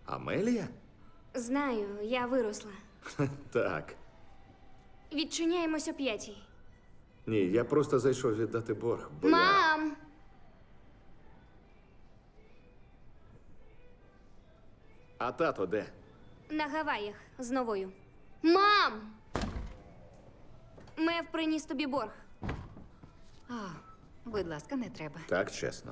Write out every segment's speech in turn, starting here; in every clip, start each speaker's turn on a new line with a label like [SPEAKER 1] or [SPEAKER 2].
[SPEAKER 1] Амелія?
[SPEAKER 2] Знаю, я виросла.
[SPEAKER 1] Так.
[SPEAKER 2] Відчиняємось о 5:00.
[SPEAKER 1] Ні, я просто зайшов віддати борг, бо
[SPEAKER 2] Мам!
[SPEAKER 1] А тато де?
[SPEAKER 2] На Гаваях з новою. Мам! Мев приніс тобі борг.
[SPEAKER 3] О, будь ласка, не треба.
[SPEAKER 1] Так, чесно.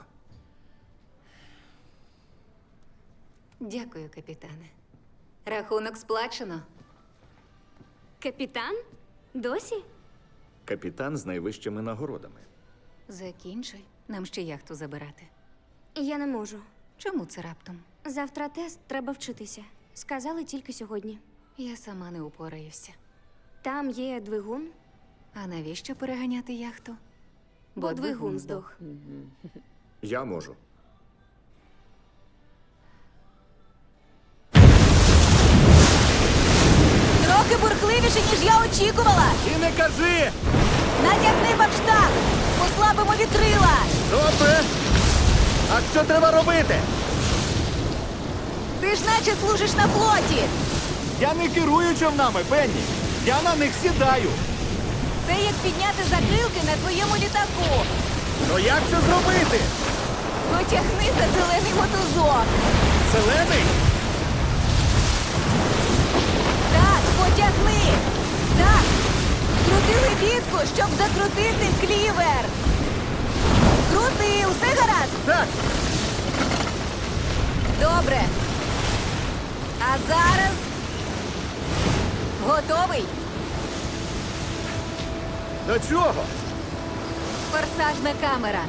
[SPEAKER 3] Дякую, капітане. Рахунок сплачено.
[SPEAKER 2] Капітан? Досі?
[SPEAKER 1] Капітан з найвищими нагородами.
[SPEAKER 3] Закінчуй. Нам ще яхту забирати.
[SPEAKER 2] Я не можу.
[SPEAKER 3] Чому це раптом?
[SPEAKER 2] Завтра тест, треба вчитися. Сказали тільки сьогодні.
[SPEAKER 3] Я сама не упораюся.
[SPEAKER 2] Там є двигун,
[SPEAKER 3] А навіщо переганяти яхту?
[SPEAKER 2] бо двигун здох.
[SPEAKER 1] Я можу.
[SPEAKER 3] Трохи бурхливіше, ніж я очікувала!
[SPEAKER 1] І не кажи!
[SPEAKER 3] Натягни бакштаг! Послабимо вітрила!
[SPEAKER 1] Добре! А що треба робити?
[SPEAKER 3] Ти ж наче служиш на флоті!
[SPEAKER 1] Я не керую човнами, Пенні! Я на них сідаю!
[SPEAKER 3] Це як підняти закрилки на твоєму літаку!
[SPEAKER 1] Ну як це зробити?
[SPEAKER 3] Потягни за зелений мотузок!
[SPEAKER 1] Зелений?
[SPEAKER 3] Так, потягни! Так! Крути лебідку, щоб закрутити клівер! Крути, усе гаразд!
[SPEAKER 1] Так!
[SPEAKER 3] Добре! А зараз... Готовий?
[SPEAKER 1] До чого?
[SPEAKER 3] Форсажна камера.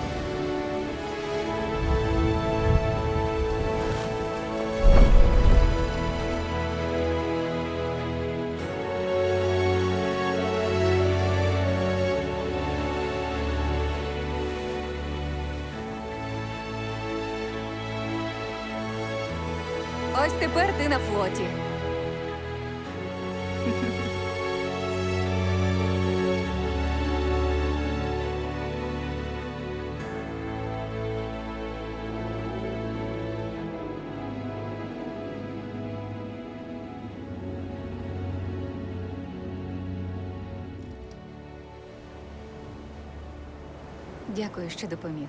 [SPEAKER 3] Ось тепер ти на флоті. Дякую, що допоміг.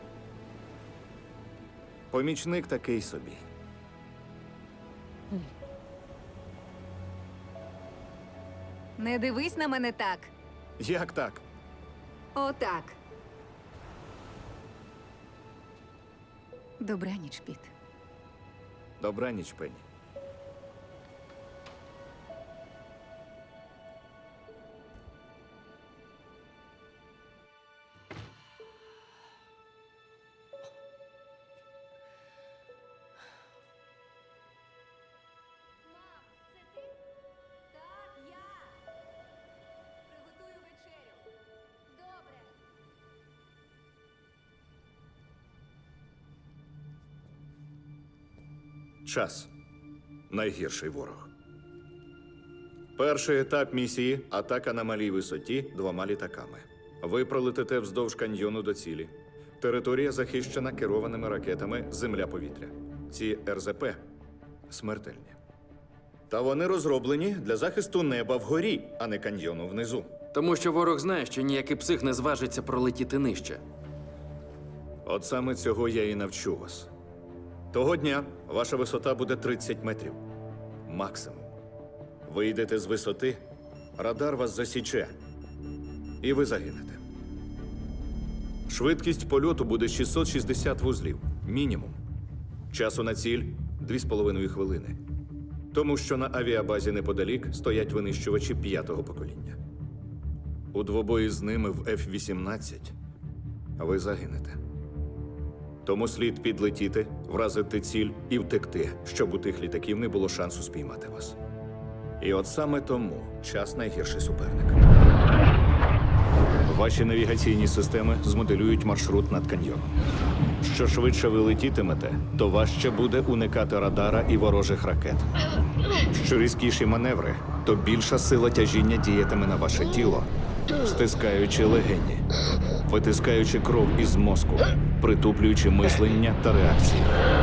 [SPEAKER 1] Помічник такий собі.
[SPEAKER 3] Не дивись на мене так.
[SPEAKER 1] Як так?
[SPEAKER 3] Отак. Добраніч, Піт.
[SPEAKER 1] Добраніч, Пенні.
[SPEAKER 3] Так, я. Приготую вечерю. Добре.
[SPEAKER 1] Час. Найгірший ворог. Перший етап місії – атака на малій висоті 2 літаками. Ви пролетите вздовж каньйону до цілі. Територія захищена керованими ракетами «Земля-повітря». Ці РЗП смертельні. Та вони розроблені для захисту неба вгорі, а не каньйону внизу.
[SPEAKER 4] Тому що ворог знає, що ніякий псих не зважиться пролетіти нижче.
[SPEAKER 1] От саме цього я і навчу вас. Того дня ваша висота буде 30 метрів. Максимум. Ви йдете з висоти, радар вас засіче. І ви загинете. Швидкість польоту буде 660 вузлів. Мінімум. Часу на ціль – 2,5 хвилини. Тому що на авіабазі неподалік стоять винищувачі 5-го покоління. У двобої з ними в F-18 ви загинете. Тому слід підлетіти, вразити ціль і втекти, щоб у тих літаків не було шансу спіймати вас. І от саме тому час найгірший суперник. Ваші навігаційні системи змоделюють маршрут над каньйоном. Що швидше ви летітимете, то важче буде уникати радара і ворожих ракет. Що різкіші маневри, то більша сила тяжіння діятиме на ваше тіло, стискаючи легені, витискаючи кров із мозку, притуплюючи мислення та реакції.